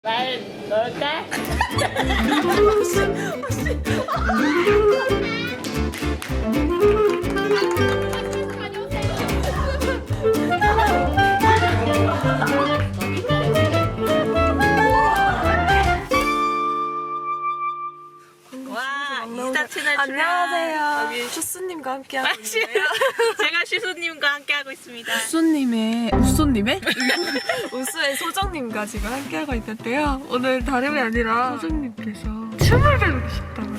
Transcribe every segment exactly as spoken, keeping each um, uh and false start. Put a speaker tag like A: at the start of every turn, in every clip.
A: 말 넣을까?
B: 와, 인스타 채널
C: 안녕하세요. 여기 슈스님과 함께하고 있는데요.
B: 제가 슈수님과 함께하고 있습니다.
C: 우쏘님의 우쏘님의 우쏘의 소정님과 지금 함께하고 있는데요. 오늘 다름이 아니라 소정님께서 춤을 배우고 싶다고.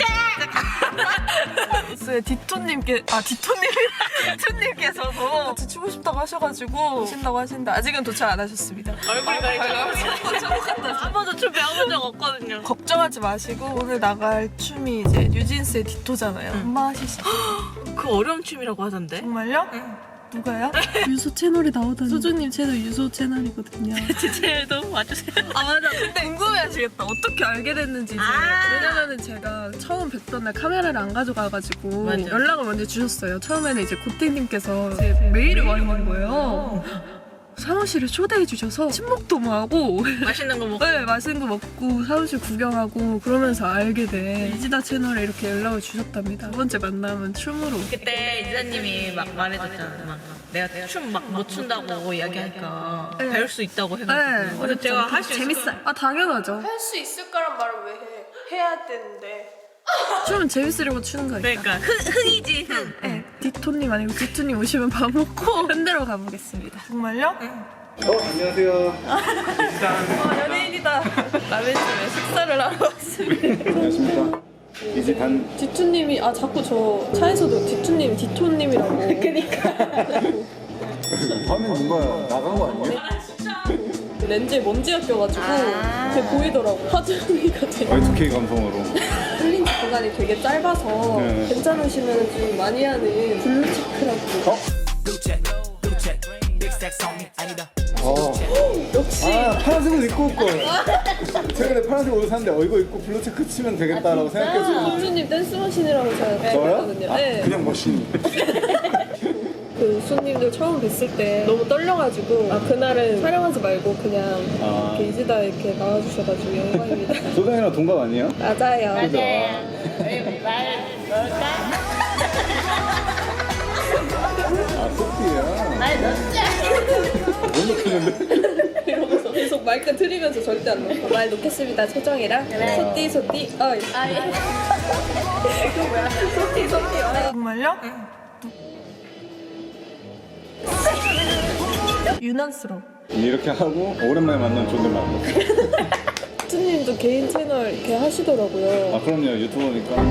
C: 우쏘의 디토님께 아 디토님이 디토님께서도 같이 추고 싶다고 하셔가지고 오신다고 하시는데 아직은 도착 안 하셨습니다.
B: 얼굴이 가리죠. 한 번도 춤 배워본 적 없거든요.
C: 걱정하지 마시고 오늘 나갈 춤이 이제 뉴진스의 디토잖아요. 엄마 하시죠.
B: 그 어려운 춤이라고 하던데?
C: 정말요? 누가요? 유소 채널에 나오다니. 소주님 채널 유소 채널이거든요.
B: 제 채널도 와주세요.
C: 아 맞아. 근데 궁금해하시겠다. 어떻게 알게 됐는지. 이제.
B: 아
C: 왜냐면은 제가 처음 뵙던 날 카메라를 안 가져가가지고
B: 맞아.
C: 연락을 먼저 주셨어요. 처음에는 이제 고택님께서 제 메일이 와 있는 거예요. 사무실에 초대해 주셔서 친목도 뭐 하고
B: 맛있는 거 먹고.
C: 네, 맛있는 거 먹고 사무실 구경하고 그러면서 알게 돼. 이지다 채널에 이렇게 연락을 주셨답니다. 두 번째 만남은 춤으로.
B: 그때 이사님이 막 말해줬잖아. 막 내가 춤 막 못 춘다고 이야기하니까
C: 네.
B: 배울 수 있다고
C: 네,
B: 해가지고. 그래서 제가 할 수 있을
C: 재밌어요. 아 당연하죠.
D: 할 수 있을 거란 말을 왜 해? 해야 되는데.
C: 춤은 재밌으려고 추는 거니까.
B: 그러니까 흥, 흥이지 흥.
C: 네, 디토님 아니고 디토님 오시면 밥 먹고 흔들어 가보겠습니다. 정말요?
E: 어, 안녕하세요.
C: 아, 연예인이다. 남의 집에 식사를 하러 왔습니다.
E: 안녕하십니까. 이제 단
D: 디투님이 아 자꾸 저 차에서도 디투님 디토님이라고. 그니까.
E: 화면 뭔가 나간 거 아니에요?
D: 렌즈에 먼지가 껴가지고 그게 보이더라고. 화장미가 되게
E: 와이투케이 감성으로.
D: 흘린 공간이 되게 짧아서
E: 네.
D: 괜찮으시면 좀 많이 하는 블루체크라고.
E: 어? 어.
D: 역시
E: 아, 파란색을 입고 올 걸. 최근에 파란색 옷을 샀는데 어 이거 입고 블루체크 치면 되겠다라고 생각했어요.
D: 소주님 댄스 머신이라고 제가
E: 저요?
D: 알거든요.
E: 아,
D: 네.
E: 그냥 머신.
D: 그 손님들 처음 뵀을 때 너무 떨려가지고 아 그날은 촬영하지 말고 그냥
E: 아.
D: 이렇게 이지다 이렇게 나와주셔가지고 영광입니다.
E: 소장이랑 동갑 아니에요?
D: 맞아요.
E: 그죠?
A: 말 넣을까?
E: 아, 소피야.
A: 말 넣자.
E: 못 넣겠는데?
D: 이러면서 계속 마이크 틀리면서 절대 안 넣어. 말 놓겠습니다. 소정이랑
A: 그래.
D: 소띠 소띠 어이.
A: 아, 예.
D: 이거 뭐야? 소띠 소띠 어이.
C: 정말요? 유난스러워.
E: 이렇게 하고 오랜만에 만난 존댓말.
D: 수님도 개인 채널 이렇게 하시더라고요.
E: 아, 그럼요. 유튜버니까.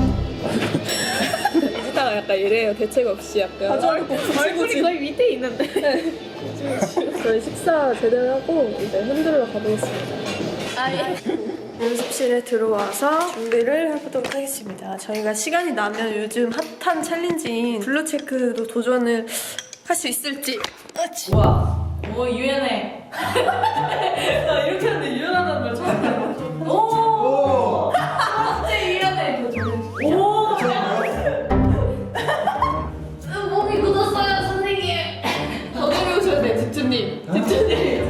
D: 이지다가 약간 이래요. 대책 없이 약간.
B: 얼굴이 거의 밑에 있는데.
D: 저희 식사 제대로 하고 이제 흔들러 가보겠습니다.
A: 아, 예.
D: 연습실에 들어와서 준비를 해보도록 하겠습니다. 저희가 시간이 나면 요즘 핫한 챌린지인 블루체크도 도전을 할 수 있을지.
B: 와, 오 유연해.
D: 나 이렇게 하는데 유연하다는 말 처음 들어.
E: 오!
D: 진짜 유연해.
B: 오.
A: 몸이 굳었어요, 선생님.
D: 더 내려오셔야 돼, 집주님. 집주님.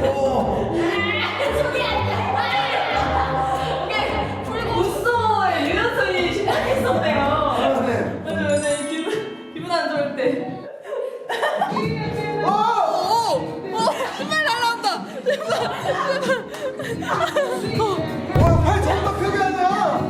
D: 무서워요. 유연성이 시작했었네요. 맞아, 맞아. 기분, 기분 안 좋을 때.
E: 와, 팔 정말 펴게 하냐?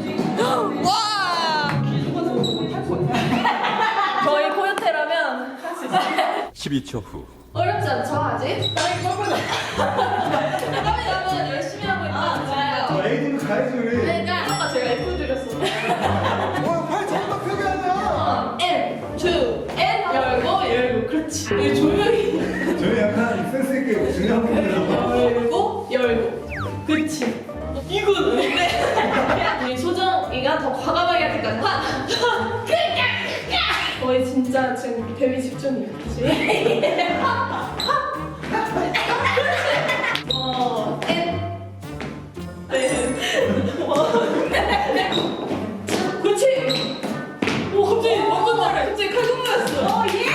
D: 저희 코요테라면 할 수 있어요.
F: 십이 초 후.
D: 어렵지 않죠, 아직? 땀이 뻘뻘 나. 땀이 나면 열심히 하고 있다. 좋아요.
E: 에이딩 가야지, 우리.
D: 그러니까 아까 제가 F 드렸어.
E: 와, 팔 정말 펴게 하냐?
D: N, two, N 열고 열고 그렇지. 이게 조명이
E: 저희 약간 센스있게 중요한 분이라서.
D: 열고 열고 그렇지. 이거는 근데 우리 소정이가 더 과감하게 할 때까지 하, 하, 그러니까 거의 진짜 지금 데뷔 직전이에요. 그치? 어, N 네. 그렇지. 오 갑자기 완전 잘해. 갑자기 칼군무였어. 어 예.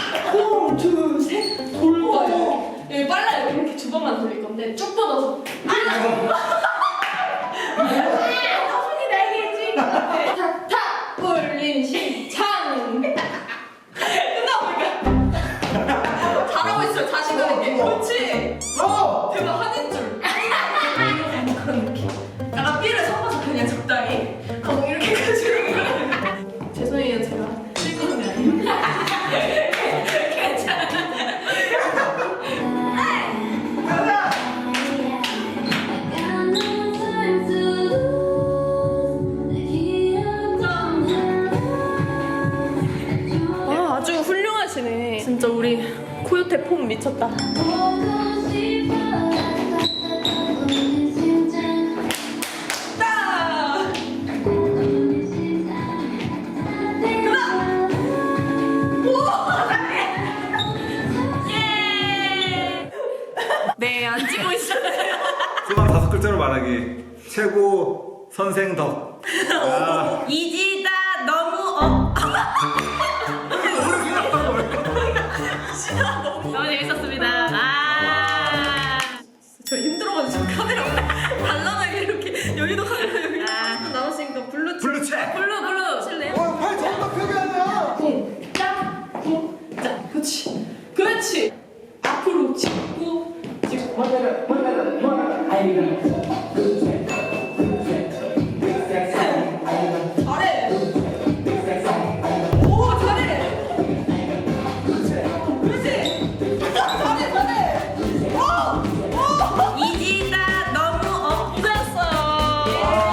D: 하나, 둘, 셋. 돌봐요. 여기 빨라요. 이렇게 두 번만 돌릴 건데 쭉 뻗어서.
F: 글자로 말하기. 최고 선생 덕. 아,
B: 이지다 너무 어. 너무 재밌었습니다. 아.
D: 저 힘들어가지고 카메라 달라나게 이렇게 여기도 카메라 여기
B: 아.
D: 나왔으니까 블루
F: 블루체.
B: 블루 블루.
D: 칠래요?
E: 어, 팔 정답 표기하네요.
D: 쿵짝 쿵짝 그렇지 그렇지 앞으로 짚고 짚고 잘해 오 잘해 그렇지 잘해 잘해 오오
B: 이지다 너무 엎드렸어요.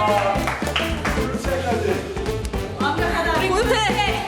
E: 블루체까지.
D: 완벽하다 못해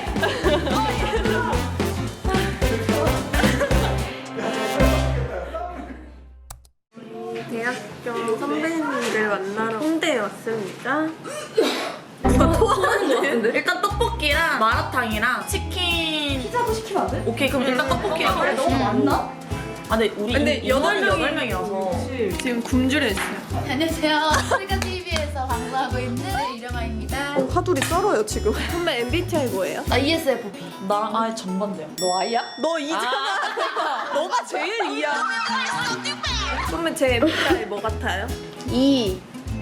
C: 대학교 선배님들 만나러 홍대에 왔습니다.
B: 누가 토하는 거 같은데? 일단 떡볶이랑 마라탕이랑 치킨.
D: 피자도 시키면 안 돼?
B: 오케이 그럼 일단 떡볶이.
D: 그래 너무 많나?
B: 아 근데 우리
C: 근데
B: 이-
C: 여덟
B: 인원이
C: 명이-
B: 여덟 명이라서.
C: 지금 굶주려 있어요.
A: 안녕하세요. 아프리카 티비에서 방송하고 있는 이령아입니다.
C: 화돌이 썰어요 지금. 선배 엠비티아이 뭐예요?
A: 나 이에스에프피.
B: 나랑 아예 전반대야.
A: 너 아이야?
C: 너 이잖아. 너가 제일 이야. 선배 제 엠비티아이 뭐 같아요?
A: 이.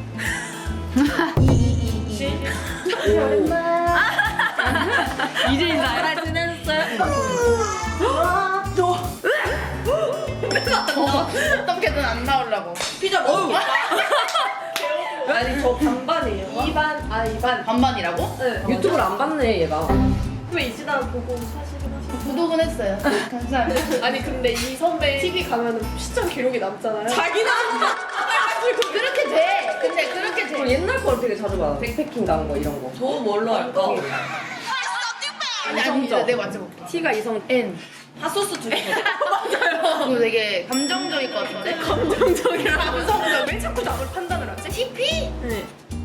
C: 이제 인사.
A: 잘 지냈어요? 어떻게든 안 나오려고.
C: 피자 먹어. 아니 저 반반이에요. 이 반, 아 이 반.
A: 반반이라고?
C: 네. 유튜브를 안 봤네 얘가. 왜 이지다 보고 사실은 하시
A: 구독은 했어요. 감사합니다.
C: 아니 근데 이 선배 티비 가면은 시청 기록이 남잖아요. 자기는
A: 그렇게 돼. 근데 그렇게 돼.
G: 옛날 걸 되게 자주 봐. 백패킹 나온 거 이런 거.
B: 저 뭘로 할까?
A: 아니 아니 내가 맞춰볼게.
G: T가 이성.
A: N.
B: 핫소스 두 개.
A: 그리고 되게 감정적일 것 같은데?
C: 감정적이라 감성적. 왜 자꾸 남을 판단을 하지?
A: 티피?
C: 네.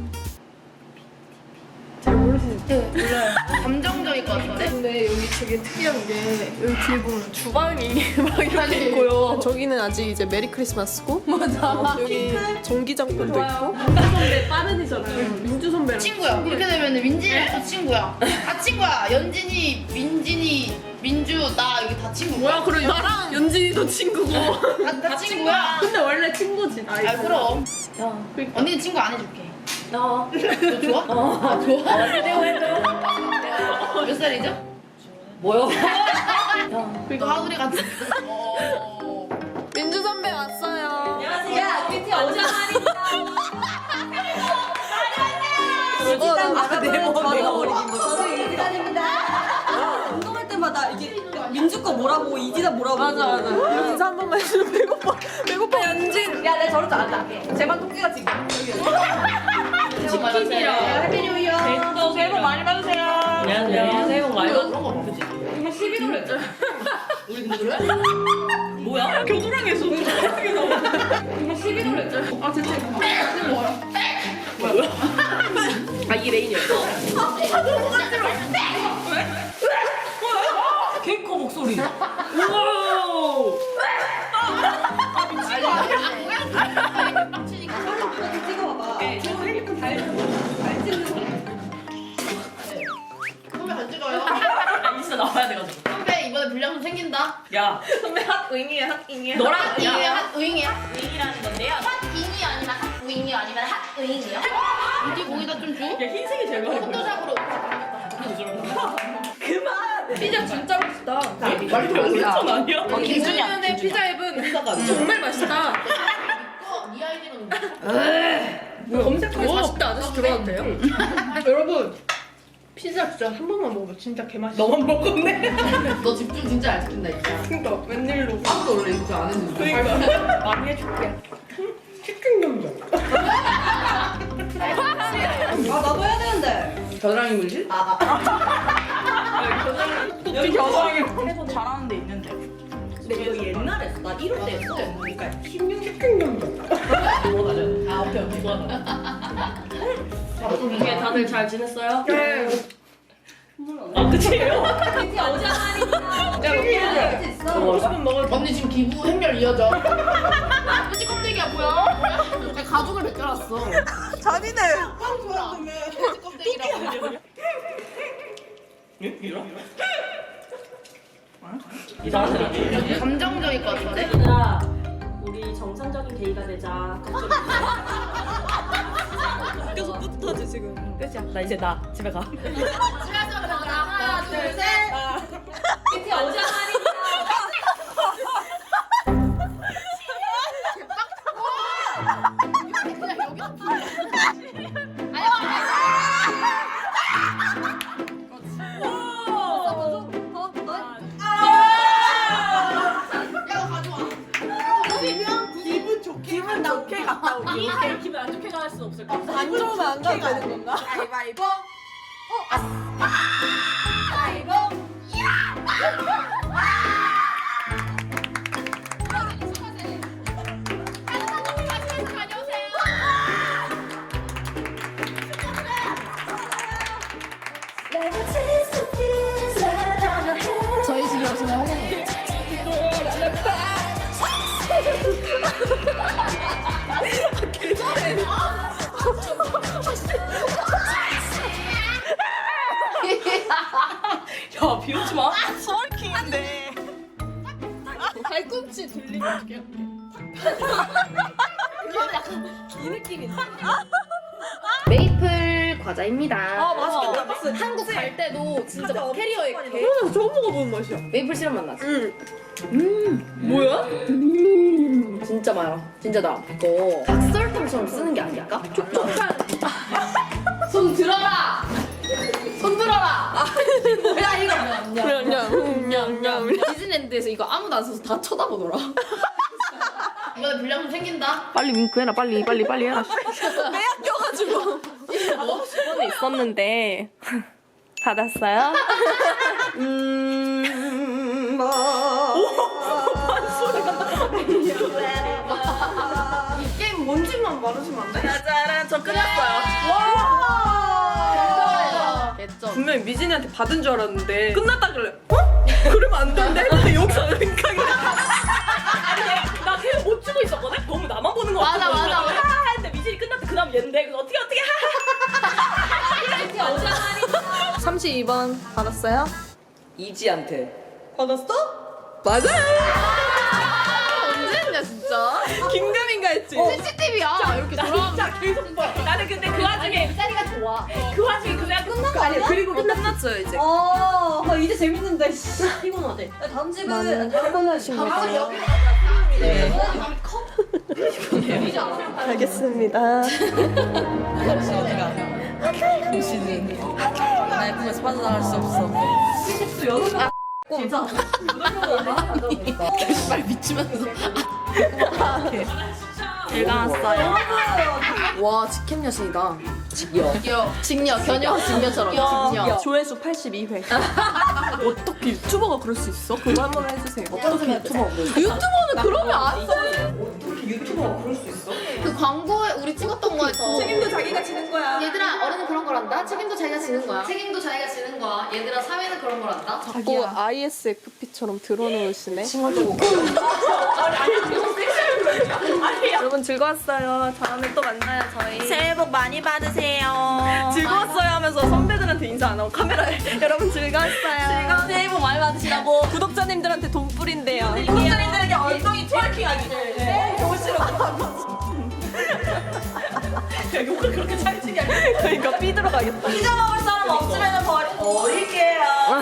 C: 잘 모르시죠?
A: 네, 몰라요. 감정적일 것 같은데?
C: 근데 여기 되게 특이한 게 여기 뒤에 보면 주방이 막 이렇게 있고요. 저기는 아직 이제 메리 크리스마스고 맞아. 여기 전기장판도 있고. 민주 선배 빠른이잖아요. 민주 선배랑
A: 친구야. 이렇게 되면 민진이랑 또 친구야. 다 친구야. 연진이, 민진이, 민주, 나 여기 다 친구.
C: 뭐야? 그럼 나랑 연진이도 친구고.
A: 다, 다 친구야.
C: 근데 원래 친구지. 나이.
A: 아 그럼. 언니는 친구 안 해줄게. 너. 너 좋아? 어. 아, 좋아? 해줘 해줘. 몇 살이죠?
G: 뭐요?
A: 너 하울이 같은. 어.
C: 민주 선배 왔어요.
G: 야, 뷰티 어제
C: 아, 내 머리.
G: 내가 어리긴 거. 저도 이지단입니다. 운동할 때마다 이게 민주 거 뭐라고 이지다 뭐라고.
C: 맞아 맞아. 인사 한 번만 해주면 배고파. 배고파 연진.
G: 야, 내가 저럴 줄 알았다. 제발 토끼가 지금.
A: 치킨이랑.
G: 해피 뉴 이어.
B: 새해 복 많이 받으세요.
G: 안녕하세요. 새해 복 많이
A: 이거
G: 받으세요.
A: 그런 거 그지?
G: 이거 십일월 했잖아.
A: 우리 근데 그래?
B: 뭐야? 겨드랑이에서
G: 이거 십일월 했잖아.
C: 아 진짜.
G: 아, 이게 메인이었어.
B: 개코 목소리. 우와.
A: 빡치니까.
G: 찍어봐봐. 저 핸드폰 잘 잘 찍는 사람.
A: 선배 안 찍어요.
B: 아, 인스타 나와야 돼가지고.
A: 선배 이번에 불량품 생긴다.
B: 야,
C: 선배 핫 윙이에요 핫 윙이에요.
B: 너랑
A: 핫잉이야
B: 야,
A: 핫윙이야?
B: 윙이라는 건데요.
A: 핫잉이 아니면 핫윙이 아니면 핫윙이요? 어디 거기다 좀 줘?
B: 야, 흰색이 제일 많이 보여.
A: 포토샵으로.
C: 피자 진짜 맛있다.
B: 완전 아니야?
C: 어, 김준현의 피자 앱은 정말 맛있다.
A: 이거 네 아이디로.
C: 검색하면 사십 대 아저씨 들어가도 돼요? 여러분 피자 진짜 한 번만 먹어봐. 진짜 개맛있어. 너만 먹었네.
A: 너 집중 진짜 안 시킨다 진짜.
C: 그러니까 웬일로.
A: 아무도 원래 이렇게 안 했는데.
C: 그러니까 많이 해줄게. 치킨 감자.
G: 아, 나도 해야 되는데.
A: 겨드랑이 물질? 아,
B: 여기 겨드랑이 해서 잘하는 데 있는데.
G: 근데 이거 옛날에 했어. 나 일 호 때 했어. 그러니까
C: 치킨 감자.
A: 아 오케이 오케이 좋아.
G: 이게 다들 잘 지냈어요?
C: 네.
B: 아, 그치예요?
G: 뷰티 어제 하니까.
C: 야, 피자
G: 있어.
C: 먹고 싶으면 먹을
A: 언니 지금 기부 행렬 이어져. 그치 껍데기야 뭐야? 뭐야? 가죽을 왔어.
B: 잔인해.
A: 껍데기라고. 감정적일 것 같은데?
D: 얘들아, 우리 정상적인 데이가 되자.
C: 계속 뿌듯하지 지금.
B: 끝이야. 나 이제 나 집에 가.
A: 하나, 둘, 셋.
D: 이렇게 어장하니.
A: 그냥 여기.
C: 기분 좋게 갔다 오기.
D: 이 기분 안 좋게 갈 수 없을 것 같아.
C: 안 좋으면 안 가도 되는 건가?
A: 가위바위보. 저희 집에 오시면 환영해요.
D: 야, 비웃지 마.
B: 서울킹인데.
C: 발꿈치 돌리면 어떻게
A: 메이플 과자입니다.
B: 아 맛있겠다. 맛있어.
A: 한국 갈 때도 진짜 막 캐리어에 개
C: 그러면 처음 먹어보는 맛이야.
A: 메이플 시럽 맛 나지?
C: 응. 뭐야?
A: 음, 진짜 많아. 진짜 나 이거 각설탕처럼 쓰는 게 아닐까? 촉촉한. 손 들어라. 손 들어라. 뭐야 이거?
C: 냠냠냠냠.
A: 디즈니랜드에서 이거 아무도 안 써서 다 쳐다보더라. 이번에 불량품 생긴다.
B: 빨리 윙크해라. 빨리 빨리 빨리 해라.
C: 매약 껴가지고.
B: 번에 있었는데 받았어요? 음.
C: 이 게임 뭔지만 말해주면 안 돼?
B: 짜잔, 저 끝났어요.
A: 개점.
C: 분명히 미진이한테 받은 줄 알았는데 끝났다 그래. 어? 그러면 안 된대? 근데 여기서 생각이
B: 나 걔 못 주고 있었거든? 너무 나만 보는 거
A: 맞아,
B: 같아.
A: 맞아, 맞아.
B: 하 했는데 미진이 끝났다. 그 다음 얘인데. 그래서 어떻게 어떻게
D: 이렇게 어장하니.
C: 삼십이 번 받았어요?
G: 이지한테.
C: 받았어? 맞아요.
A: 언제 했냐 진짜?
C: 김금인가 했지?
A: 씨씨티비야. 이렇게 돌아가면
B: 진짜 계속 봐. 나는 근데 그 와중에
A: 이 자리가 좋아.
B: 그 와중에 그냥 끝난 거
C: 아니 그리고 끝났어요 이제.
G: 어, 아, 이제 재밌는데. 씨, 피곤하대. 야, 다음 집은
C: 피곤하신
A: 가방을 여기
C: 네. 알겠습니다.
G: 나의 꿈에서 빠져나갈 수 없어.
A: 말 미치면서.
B: 제가 왔어요.
A: 와 직캠 여신이다. 직녀. 직녀. 견녀 직녀처럼. 직녀.
C: 조회수 팔십이 회. 어떻게 유튜버가 그럴 수 있어? 그거 한 번 해주세요.
A: 어떻게 유튜버?
C: 유튜버는 그러면 안 써.
G: 유튜버가 그럴 수 있어?
A: 그 광고에 우리 찍었던 거에서
C: 책임도 자기가 지는 거야.
A: 얘들아 어른은 그런 거란다. 책임도 자기가 지는 거야. 책임도 자기가 지는 거야. 얘들아 사회는 그런 거란다.
C: 자꾸 아이에스에프피처럼 들어놓으시네. 여러분 즐거웠어요. 다음에 또 만나요 저희.
B: 새해 복 많이 받으세요.
C: 즐거웠어요 하면서 선배들한테 인사 안 하고 카메라에 여러분 즐거웠어요.
G: 새해 복 많이 받으시라고.
C: 구독자님들한테 돈 뿌린대요.
G: 구독자님들에게 엉덩이 트월킹 하기. 네.
B: 야, 욕을 그렇게 찰지게 하냐.
C: 그러니까 삐 들어가겠다.
G: 잊어먹을 사람 없으면 버리, 버릴게요.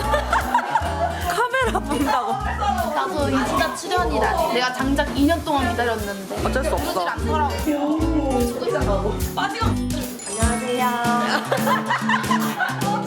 C: 카메라 본다고.
A: 나도 인스타 출연이라 내가 장작 이 년 동안 기다렸는데
C: 어쩔 수 없어.
A: 그러질 않더라고.
G: 빠지고.
A: 안녕하세요.